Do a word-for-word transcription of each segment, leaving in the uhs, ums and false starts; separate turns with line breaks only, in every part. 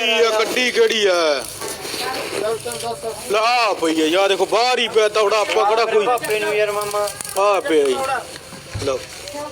ਆ ਕੱਢੀ ਕਿਹੜੀ ਆ ਲਾ ਪਈ ਆ ਯਾ ਦੇਖੋ ਬਾਹਰ ਹੀ ਪਿਆ ਤੌੜਾ ਆਪਾਂ ਕਿਹੜਾ ਕੋਈ
ਭਾਪੇ ਨੂੰ ਯਾਰ ਮਾਮਾ
ਆ ਪਿਆ ਜੀ ਲਓ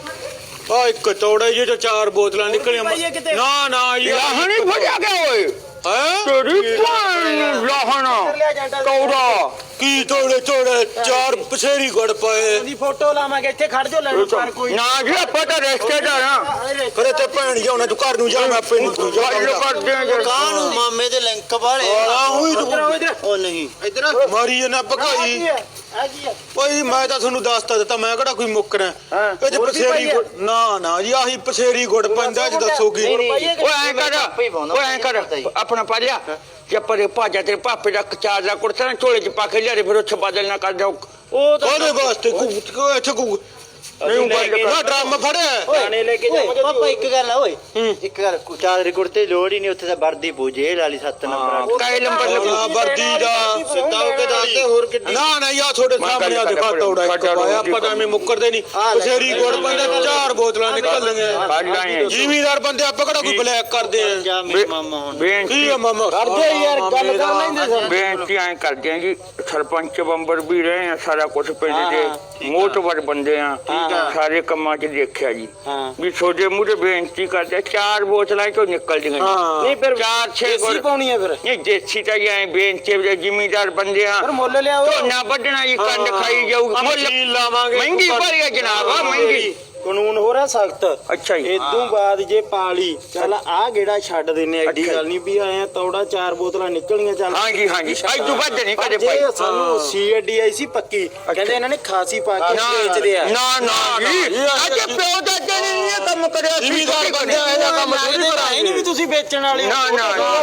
ਆ ਇੱਕ ਤੌੜਾ ਜੇ ਚਾਰ ਬੋਤਲਾਂ ਨਿਕਲੀਆਂ ਨਾ ਨਾ ਯਾਰ
ਨਹੀਂ ਫੜਿਆ ਗਿਆ ਓਏ
ਹੈ
ਤੇਰੀ ਭੈਣ ਲਾਹਣਾ ਕੌੜਾ
ਕੀ ਤੋੜੇ ਤੋੜੇ ਚਾਰ ਪਸੇਰੀ ਗੜ ਪਏ
ਦੀ ਫੋਟੋ ਲਾਵਾਂਗੇ ਇੱਥੇ ਖੜ ਜਾ ਲੈਣ ਪਰ ਕੋਈ
ਨਾ ਜੀ ਆਪਾਂ ਤਾਂ ਰਿਸ਼ਤੇਦਾਰ ਆ
ਕਰੇ ਤੇ ਭੈਣ ਜਾਉਣਾ ਤੂੰ ਘਰ ਨੂੰ ਜਾ ਮੈਂ ਆਪੇ ਨੂੰ ਤੂੰ ਜਾ
ਗੱਲ ਕਰਦੇ ਆ ਜੀ
ਕਾਂ ਨੂੰ ਮਾਮੇ ਦੇ ਲਿੰਕ ਵਾਲੇ
ਆ ਹੋਈ ਤੂੰ
ਉਹ ਨਹੀਂ ਇਧਰ
ਮਾਰੀ ਨਾ ਭਗਾਈ
ਆ ਕੀ ਆ
ਓਏ ਮੈਂ ਤਾਂ ਤੁਹਾਨੂੰ ਦੱਸਤਾ ਦਿੱਤਾ ਮੈਂ ਕਿਹੜਾ ਕੋਈ ਮੁੱਕਰਾਂ ਇਹ ਤੇ ਪਸੇਰੀ ਗੁੜ ਨਾ ਨਾ ਜੀ ਆਹੀ ਪਸੇਰੀ ਗੁੜ ਪੈਂਦਾ ਜੀ ਦੱਸੋ ਕੀ
ਓਏ ਐ ਕਰ ਓਏ ਐ ਕਰ ਆਪਣਾ ਪਾ ਲਿਆ ਜੇ ਪਰੇ ਭਾਜਾ ਤੇਰੇ ਪਾਪੇ ਦਾ ਚਾਰ ਦਾ ਕੁੜਤਾ ਨਾ ਝੋਲੇ ਚ ਪਾ ਕੇ ਲਿਆ ਫਿਰ ਉੱਥੇ ਬਦਲ ਨਾ ਕਰ ਜਾਓ
ਉਹ ਤਾਂ
ਉਹਦੇ ਵਾਸਤੇ ਕੋ ਇੱਥੇ ਕੋ ਨਹੀਂ ਨਾ ਡਰਾਮਾ ਫੜਿਆ
ਗਾਣੇ ਲੈ ਕੇ ਜਾਵਾਂਗੇ ਪਾਪਾ ਇੱਕ ਗੱਲ ਆ ਓਏ ਇੱਕ ਗੱਲ ਚਾਰ ਰਿਕਾਰਡ ਤੇ ਲੋੜ ਹੀ ਨਹੀਂ ਉੱਥੇ ਤਾਂ ਵਰਦੀ ਪੂਜੇ ਵਾਲੀ ਸੱਤ ਨੰਬਰ
ਕਾਇ ਨੰਬਰ
ਲੱਗਣਾ ਵਰਦੀ ਦਾ
ਸਿੱਧਾ ਹੋ ਕੇ ਦੱਸਦੇ ਹੋਰ ਕਿੱਡੀ
ਨਾ ਨਾ ਯਾ ਤੁਹਾਡੇ ਸਾਹਮਣੇ ਆ ਦਿਖਾ ਤੌੜਾ ਇੱਕ ਪਾਇਆ ਪਤਾ ਐਵੇਂ ਮੁੱਕਰਦੇ ਨਹੀਂ ਪਸੇਰੀ ਗੁੜ ਪੈਂਦਾ ਚਾਰ ਬੋਤਲਾਂ ਨਿਕਲਣਗੀਆਂ ਜ਼ਿਮੀਦਾਰ ਬੰਦੇ ਆਪਾਂ ਕਿਹੜਾ ਕੋਈ ਬਲੈਕ ਕਰਦੇ ਆ
ਜਾ ਮੇਰੇ ਮਾਮਾ ਹੁਣ
ਕੀ ਆ ਮਾਮਾ
ਕਰਦੇ ਯਾਰ ਗੱਲ ਕਰ ਲੈਂਦੇ
ਬੇਨਤੀ ਐ ਕਰਦੇ ਆ ਜੀ ਸਰਪੰਚ ਬੰਬਰ ਵੀ ਰਹੇ ਆ ਸਾਰਾ ਕੁਝ ਪਿੰਡ ਦੇ ਮੋਟਵਰ ਬੰਦੇ ਆ ਸਾਰੇ ਕੰਮਾਂ 'ਚ ਦੇਖਿਆ ਜੀ ਵੀ ਤੁਹਾਡੇ ਮੂਹਰੇ ਬੇਨਤੀ ਕਰਦੇ ਚਾਰ ਬੋਤਲਾਂ ਚੋਂ ਨਿਕਲ ਜੀਆਂ
ਨਹੀਂ ਫਿਰ
ਚਾਰ ਛੇ
ਦੇਸੀ ਪਾਉਣੀ ਆ ਫਿਰ
ਨਹੀਂ ਦੇਸੀ ਤਾਂ ਐ ਬੇਨਤੀ ਜ਼ਿਮੀਦਾਰ ਬੰਦੇ ਆ
ਫਿਰ ਮੁੱਲ ਲਿਆਓ
ਝੋਨਾ ਵੱਢਣਾ ਜੀ ਕੰਡ ਖਾਈ ਜਾਊ ਮੁੱਲ
ਲਾਵਾਂਗੇ
ਮਹਿੰਗੀ ਭਰੀ ਆ ਜਨਾਬ ਆ ਮਹਿੰਗੀ
ਕਾਨੂੰਨ ਹੋ ਰਿਹਾ ਸਖਤ
ਅੱਛਾ ਜੀ
ਇਦੋਂ ਬਾਅਦ ਜੇ ਪਾਲੀ ਚੱਲ ਆ ਗੇੜਾ ਛੱਡ ਦਿੰਨੇ ਐਡੀ ਗੱਲ ਨਹੀਂ ਵੀ ਆਇਆ ਤੌੜਾ ਚਾਰ ਬੋਤਲਾਂ ਨਿਕਲੀਆਂ ਚੱਲ
ਹਾਂਜੀ ਹਾਂਜੀ ਅੱਜ ਤੋਂ ਵੱਧ ਨਹੀਂ ਕਦੇ ਭਾਈ
ਸਾਨੂੰ ਸੀਡੀ ਆਈ ਸੀ ਪੱਕੀ ਕਹਿੰਦੇ ਇਹਨਾਂ ਨੇ ਖਾਸੀ ਪਾ ਕੇ ਵੇਚਦੇ ਆ
ਨਾ ਨਾ ਜੀ ਅੱਜ ਪਿਓ ਦਾ ਨਹੀਂ ਇਹ ਕੰਮ ਕਰਿਆ
ਜ਼ਿਮੀਦਾਰ ਬੰਦੇ ਇਹਦਾ ਕੰਮ ਥੋੜੀ
ਕਰਾਂਗੇ ਨਹੀਂ ਵੀ ਤੁਸੀਂ ਵੇਚਣ ਵਾਲੇ
ਨਾ ਨਾ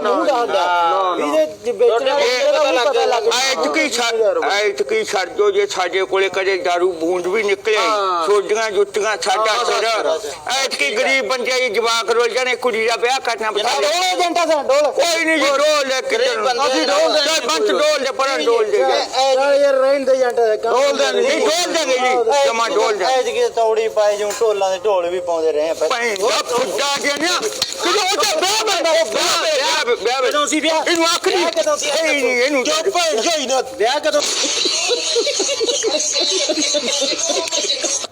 ਨਾ ਵੀ ਜੇ ਵੇਚਣ ਵਾਲੇ ਦਾ ਪਤਾ ਲੱਗ
ਐਤ ਕੀ ਐਤ ਕੀ ਛੱਡੋ ਜੇ ਸਾਡੇ ਕੋਲੇ ਕਦੇ ਦਾਰੂ ਬੂੰਦ ਵੀ ਨਿਕਲੇ ਛੋਡੀਆਂ ਜੁੱਤੀਆਂ ਸਾਡਾ ਸਰ ਐਤ ਕੀ ਗਰੀਬ ਬੰਦੇ ਦੀ ਜਵਾਕ ਰੋਲ ਜਾਣੇ ਕੁੜੀ ਦਾ ਵਿਆਹ ਕਰਨਾ ਬਤਾ
ਡੋਲ ਜੰਟਾ ਸਾ ਡੋਲ
ਕੋਈ ਨਹੀਂ ਜੀ ਡੋਲ ਲੈ ਕੇ ਅਸੀਂ ਡੋਲ ਦੇ ਬੰਤ ਡੋਲ ਦੇ ਪਰ ਡੋਲ ਦੇ
ਯਾਰ ਰਹਿਣ ਦੇ ਜੰਟਾ
ਡੋਲ ਦੇ ਨਹੀਂ ਡੋਲ ਦੇਗੇ ਜੀ ਜਮਾ ਡੋਲ ਦੇ
ਐਤ ਕੀ ਤੌੜੀ ਪਾਏ ਜਿਉਂ ਢੋਲਾਂ ਦੇ ਢੋਲ ਵੀ ਪਾਉਂਦੇ ਰਹੇ ਆ
ਪੈਂ ਦਾ ਫੁੱਟਾ ਗਿਆ ਨਾ ਕਿਦੋਂ ਉਹ ਵਿਆਹ ਬੰਦਾ ਵਿਆਹ ਵਿਆਹ
ਕਦੋਂ ਸੀ ਵਿਆਹ
ਇਹਨੂੰ ਆਖਰੀ
ਕਦੋਂ ਸੀ
ਇਹਨੂੰ
ਚੁੱਪ ਜਾਈ ਨਾ
ਵਿਆਹ ਕਦੋਂ